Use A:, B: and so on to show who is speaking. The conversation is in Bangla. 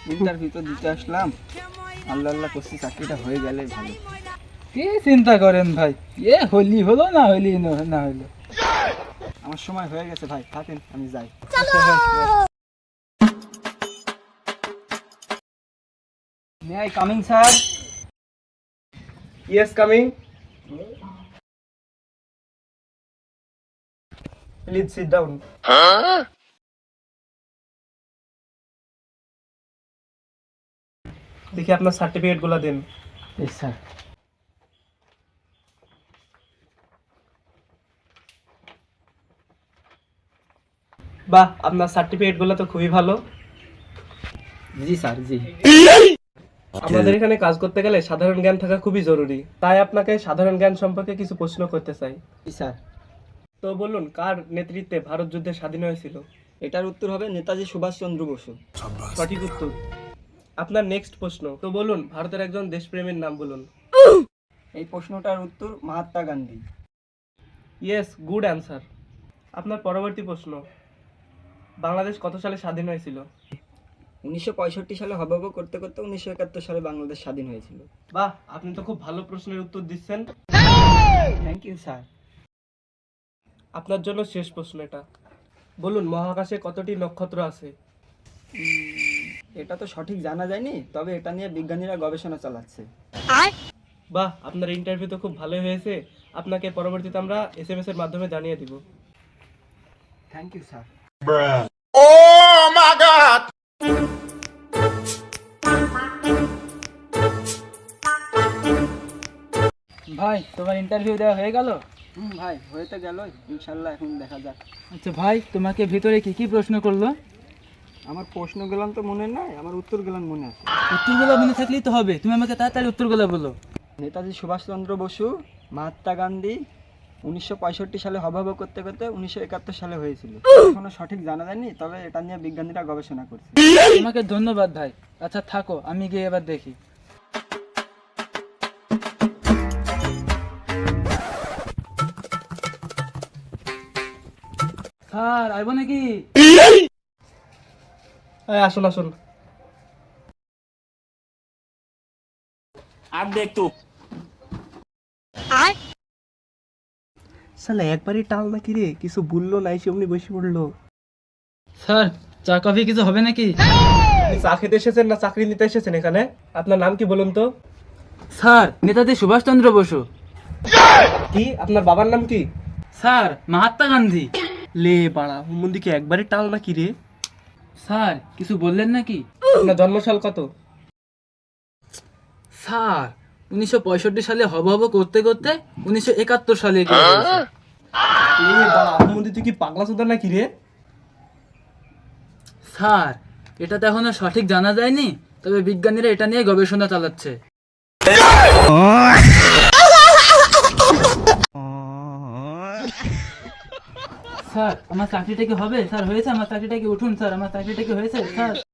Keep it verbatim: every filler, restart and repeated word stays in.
A: ইন্টারভিউ তো দিতে আসলাম, আল্লাহ আল্লাহ করছি চাকরিটা হয়ে গেলে ভালো।
B: কি চিন্তা করেন ভাই, এ হলি হলো না হলি ন- না হলো।
A: আমার সময় হয়ে গেছে ভাই, থাকেন আমি যাই। May I coming sir?
C: Yes, coming. Please sit down. দেখি আপনার সার্টিফিকেট গুলো দিন।
B: এই স্যার।
C: বাহ, আপনার সার্টিফিকেট গুলো তো খুবই ভালো।
A: জি স্যার, জি।
C: আমাদের এখানে কাজ করতে গেলে সাধারণ জ্ঞান থাকা খুবই জরুরি, তাই আপনাকে সাধারণ জ্ঞান সম্পর্কে কিছু প্রশ্ন করতে চাই।
A: জি স্যার।
C: তো বলুন, কার নেতৃত্বে ভারত যুদ্ধে স্বাধীন হয়েছিল?
A: এটার উত্তর হবে নেতাজি সুভাষচন্দ্র বসু।
C: সঠিক উত্তর। আপনার নেক্সট প্রশ্ন, তো বলুন ভারতের একজন দেশপ্রেমীর নাম বলুন।
A: এই প্রশ্নটার উত্তর Mahatma Gandhi.
C: Yes, good answer. আপনার পরবর্তী প্রশ্ন, বাংলাদেশ কত সালে স্বাধীন হয়েছিল?
A: উনিশশো পঁয়ষট্টি সালে হবব করতে করতে উনিশশো একাত্তর সালে বাংলাদেশ স্বাধীন হয়েছিল।
C: বাহ, আপনি তো খুব ভালো প্রশ্নের উত্তর দিচ্ছেন।
A: Thank you sir.
C: আপনার জন্য শেষ প্রশ্ন এটা, বলুন মহাকাশে কতটি নক্ষত্র আছে?
A: এটা তো সঠিক জানা যায়নি, তবে এটা নিয়ে বিজ্ঞানীরা গবেষণা চালাচ্ছে।
C: বাহ, আপনার ইন্টারভিউ তো খুব ভালোই হয়েছে। আপনাকে পরবর্তীতে আমরা এস এম এস এর মাধ্যমে জানিয়ে দিব।
A: Thank you sir.
B: ভাই তোমার ইন্টারভিউ দেওয়া হয়ে গেল?
A: হুম ভাই, হয়ে তো গেল, ইনশাল্লাহ এখন দেখা যাক।
B: আচ্ছা ভাই, তোমাকে ভিতরে কি কি প্রশ্ন করলো?
A: আমার প্রশ্নগুলো তো মনে নাই, আমার উত্তরগুলো মনে আছে।
B: উত্তরগুলো মনে থাকলেই তো হবে, তুমি আমাকে তাড়াতাড়ি উত্তরগুলো বলো।
A: নেতাজি সুভাষচন্দ্র বসু, মহাত্মা গান্ধী, উনিশশো পঁয়ষট্টি সালে হবব করতে করতে উনিশশো একাত্তর সালে হয়েছিল। এখনো সঠিক জানা যায়নি, তবে এটা নিয়ে বিজ্ঞানীরা গবেষণা করছে।
B: তোমাকে ধন্যবাদ ভাই। আচ্ছা থাকো, আমি গিয়ে এবার দেখি। স্যার আইব নাকি?
C: এই, আসুন আসুন।
D: अब देख तू।
C: শালা একবারই টাল নাকি রে, কিছু বললো না, এসে অমনি বসে পড়লো।
B: স্যার চা কফি কিছু হবে নাকি?
C: আপনি চা খেতে এসেছেন না চাকরি নিতে এসেছেন এখানে? আপনার নাম কি বলুন তো?
B: স্যার নেতাজি সুভাষচন্দ্র বসু।
C: কি, আপনার বাবার নাম কি?
B: স্যার মহাত্মা গান্ধী।
C: লে বাড়া, হুমন্দিকে একবারই টাল নাকি রে।
B: স্যার কিছু বললেন নাকি?
C: আপনার জন্মসাল কত?
B: স্যার উনিশশো পঁয়ষট্টি সালে হব হব করতে করতে উনিশশো একাত্তর সালে এগিয়ে গেছে।
C: লে বাড়া, হুমন্দি তুই কি পাগলা চোদা নাকি রে?
B: স্যার এটা তো এখনো সঠিক জানা যায়নি, তবে বিজ্ঞানীরা এটা নিয়ে গবেষণা চালাচ্ছে। স্যার আমার চাকরিটা কি হবে? স্যার হয়েছে, আমার চাকরিটা কি উঠুন স্যার, আমার চাকরিটা কি হয়েছে স্যার?